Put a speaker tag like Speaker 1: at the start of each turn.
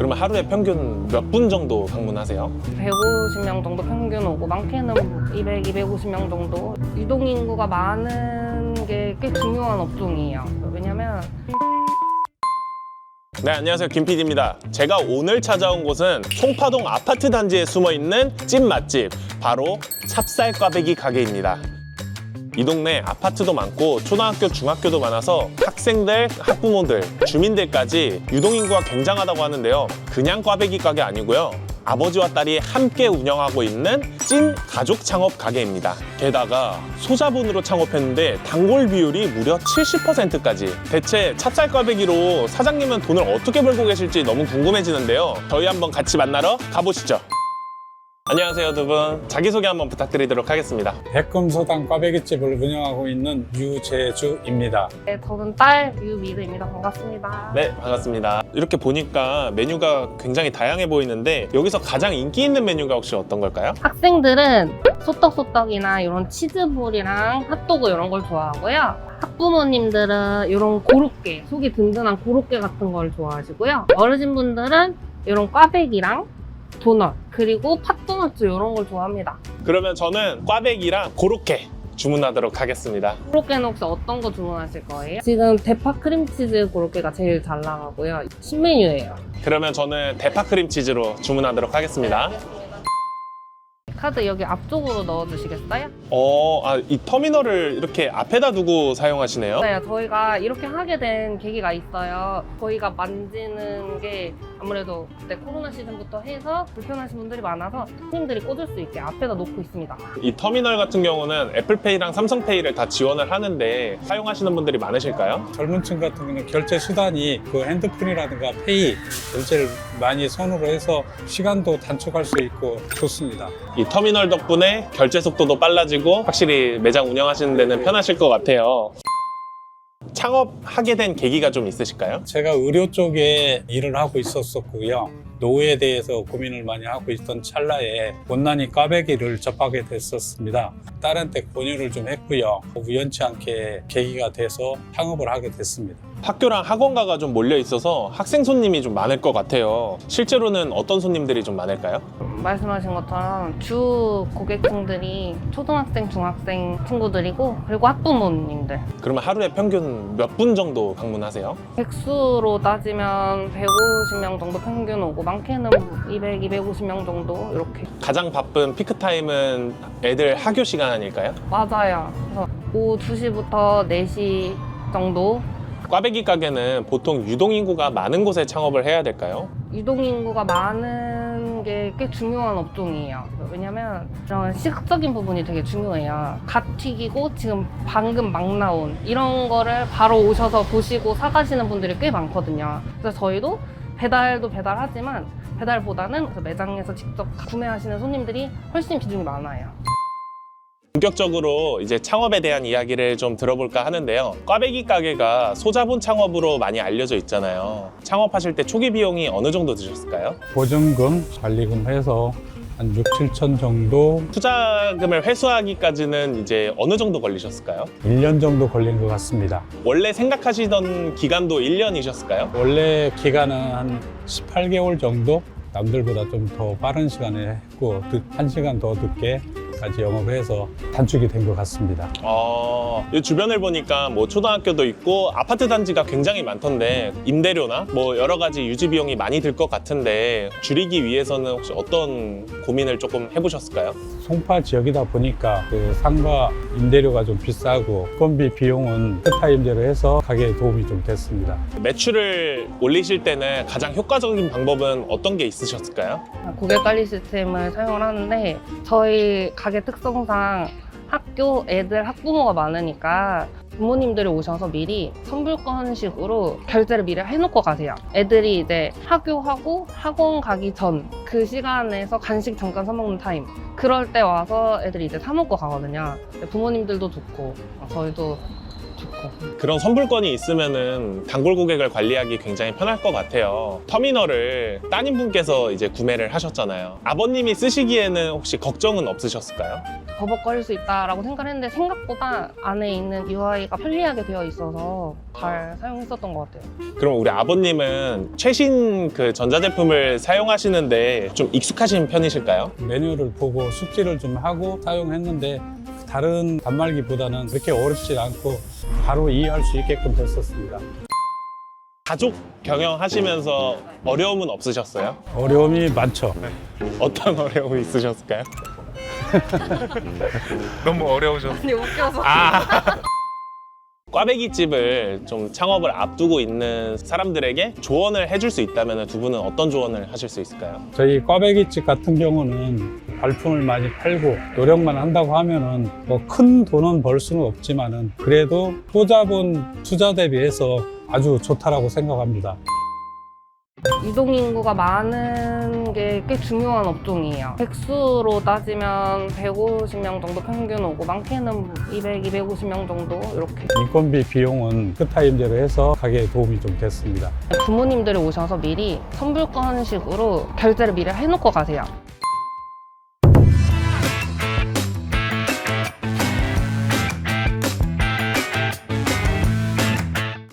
Speaker 1: 그러면 하루에 평균 몇 분 정도 방문하세요?
Speaker 2: 150명 정도 평균 오고 많게는 200, 250명 정도. 유동인구가 많은 게 꽤 중요한 업종이에요. 왜냐면
Speaker 1: 네, 안녕하세요. 김PD입니다. 제가 오늘 찾아온 곳은 송파동 아파트 단지에 숨어있는 찐 맛집, 바로 찹쌀꽈배기 가게입니다. 이 동네 아파트도 많고 초등학교, 중학교도 많아서 학생들, 학부모들, 주민들까지 유동인구가 굉장하다고 하는데요. 그냥 꽈배기 가게 아니고요. 아버지와 딸이 함께 운영하고 있는 찐 가족 창업 가게입니다. 게다가 소자본으로 창업했는데 단골 비율이 무려 70%까지. 대체 찹쌀꽈배기로 사장님은 돈을 어떻게 벌고 계실지 너무 궁금해지는데요. 저희 한번 같이 만나러 가보시죠. 안녕하세요, 두 분. 자기소개 한번 부탁드리도록 하겠습니다.
Speaker 3: 백금소당 꽈배기집을 운영하고 있는 유재주입니다.
Speaker 2: 네, 저는 딸 유미르입니다. 반갑습니다.
Speaker 1: 네, 반갑습니다. 이렇게 보니까 메뉴가 굉장히 다양해 보이는데 여기서 가장 인기 있는 메뉴가 혹시 어떤 걸까요?
Speaker 2: 학생들은 소떡소떡이나 이런 치즈볼이랑 핫도그 이런 걸 좋아하고요. 학부모님들은 이런 고로케, 속이 든든한 고로케 같은 걸 좋아하시고요. 어르신분들은 이런 꽈배기랑 도넛, 그리고 팥도넛 이런 걸 좋아합니다.
Speaker 1: 그러면 저는 꽈배기랑 고로케 주문하도록 하겠습니다.
Speaker 2: 고로케는 혹시 어떤 거 주문하실 거예요? 지금 대파 크림치즈 고로케가 제일 잘 나가고요. 신메뉴예요.
Speaker 1: 그러면 저는 대파 크림치즈로 주문하도록 하겠습니다.
Speaker 2: 카드 여기 앞쪽으로 넣어주시겠어요?
Speaker 1: 이 터미널을 이렇게 앞에다 두고 사용하시네요.
Speaker 2: 네, 저희가 이렇게 하게 된 계기가 있어요. 저희가 만지는 게 아무래도 그때 코로나 시즌부터 해서 불편하신 분들이 많아서 손님들이 꽂을 수 있게 앞에다 놓고 있습니다.
Speaker 1: 이 터미널 같은 경우는 애플페이랑 삼성페이를 다 지원을 하는데 사용하시는 분들이 많으실까요?
Speaker 3: 젊은 층 같은 경우는 결제 수단이 그 핸드폰이라든가 페이 결제를 많이 선호로 해서 시간도 단축할 수 있고 좋습니다.
Speaker 1: 이 터미널 덕분에 결제 속도도 빨라지고 확실히 매장 운영하시는 데는 편하실 것 같아요. 창업하게 된 계기가 좀 있으실까요?
Speaker 3: 제가 의료 쪽에 일을 하고 있었고요. 노후에 대해서 고민을 많이 하고 있던 찰나에 못난이 꽈배기를 접하게 됐었습니다. 딸한테 권유를 좀 했고요. 우연치 않게 계기가 돼서 창업을 하게 됐습니다.
Speaker 1: 학교랑 학원가가 좀 몰려 있어서 학생 손님이 좀 많을 것 같아요. 실제로는 어떤 손님들이 좀 많을까요?
Speaker 2: 말씀하신 것처럼 주 고객층들이 초등학생, 중학생 친구들이고 그리고 학부모님들.
Speaker 1: 그러면 하루에 평균 몇 분 정도 방문하세요?
Speaker 2: 백수로 따지면 150명 정도 평균 오고 많게는 200, 250명 정도 이렇게.
Speaker 1: 가장 바쁜 피크타임은 애들 학교 시간 아닐까요?
Speaker 2: 맞아요. 그래서 오후 2시부터 4시 정도.
Speaker 1: 꽈배기 가게는 보통 유동인구가 많은 곳에 창업을 해야 될까요?
Speaker 2: 유동인구가 많은 게 꽤 중요한 업종이에요. 왜냐면 이런 시각적인 부분이 되게 중요해요. 갓 튀기고 지금 방금 막 나온 이런 거를 바로 오셔서 보시고 사가시는 분들이 꽤 많거든요. 그래서 저희도 배달도 배달하지만 배달보다는 매장에서 직접 구매하시는 손님들이 훨씬 비중이 많아요.
Speaker 1: 본격적으로 이제 창업에 대한 이야기를 좀 들어볼까 하는데요. 꽈배기 가게가 소자본 창업으로 많이 알려져 있잖아요. 창업하실 때 초기 비용이 어느 정도 드셨을까요?
Speaker 3: 보증금, 관리금 해서 한 6, 7천 정도,
Speaker 1: 투자금을 회수하기까지는 이제 어느 정도 걸리셨을까요?
Speaker 3: 1년 정도 걸린 것 같습니다.
Speaker 1: 원래 생각하시던 기간도 1년이셨을까요?
Speaker 3: 원래 기간은 한 18개월 정도? 남들보다 좀 더 빠른 시간에 했고 1시간 더 늦게 까지 영업해서 단축이 된 것 같습니다.
Speaker 1: 이 주변을 보니까 뭐 초등학교도 있고 아파트 단지가 굉장히 많던데 임대료나 뭐 여러 가지 유지 비용이 많이 들 것 같은데 줄이기 위해서는 혹시 어떤 고민을 조금 해보셨을까요?
Speaker 3: 송파 지역이다 보니까 그 상가 임대료가 좀 비싸고 건비 비용은 세타 임대로 해서 가게에 도움이 좀 됐습니다.
Speaker 1: 매출을 올리실 때는 가장 효과적인 방법은 어떤 게 있으셨을까요?
Speaker 2: 고객 관리 시스템을 사용을 하는데 저희 가게 특성상 학교 애들 학부모가 많으니까 부모님들이 오셔서 미리 선불권식으로 결제를 미리 해놓고 가세요. 애들이 이제 학교하고 학원 가기 전 그 시간에서 간식 잠깐 사 먹는 타임, 그럴 때 와서 애들이 이제 사 먹고 가거든요. 부모님들도 좋고 저희도 좋고 같아요.
Speaker 1: 그런 선불권이 있으면은 단골 고객을 관리하기 굉장히 편할 것 같아요. 터미널을 따님분께서 이제 구매를 하셨잖아요. 아버님이 쓰시기에는 혹시 걱정은 없으셨을까요?
Speaker 2: 버벅거릴 수 있다라고 생각을 했는데 생각보다 안에 있는 UI가 편리하게 되어 있어서 잘 사용했었던 것 같아요.
Speaker 1: 그럼 우리 아버님은 최신 그 전자제품을 사용하시는데 좀 익숙하신 편이실까요?
Speaker 3: 메뉴를 보고 숙지를 좀 하고 사용했는데 다른 단말기보다는 그렇게 어렵지 않고 바로 이해할 수 있게끔 됐었습니다.
Speaker 1: 가족 경영하시면서 어려움은 없으셨어요?
Speaker 3: 어려움이 많죠.
Speaker 1: 어떤 어려움이 있으셨을까요? 너무 어려우셨어요.
Speaker 2: 아니 웃겨서.
Speaker 1: 꽈배기 집을 좀 창업을 앞두고 있는 사람들에게 조언을 해줄 수 있다면 두 분은 어떤 조언을 하실 수 있을까요?
Speaker 3: 저희 꽈배기집 같은 경우는 발품을 많이 팔고 노력만 한다고 하면은 뭐 큰 돈은 벌 수는 없지만은 그래도 소자본 투자 대비해서 아주 좋다라고 생각합니다.
Speaker 2: 유동인구가 많은 게 꽤 중요한 업종이에요. 백수로 따지면 150명 정도 평균 오고 많게는 200, 250명 정도 이렇게.
Speaker 3: 인건비 비용은 끝타임제로 해서 가게에 도움이 좀 됐습니다.
Speaker 2: 부모님들이 오셔서 미리 선불권식으로 결제를 미리 해놓고 가세요.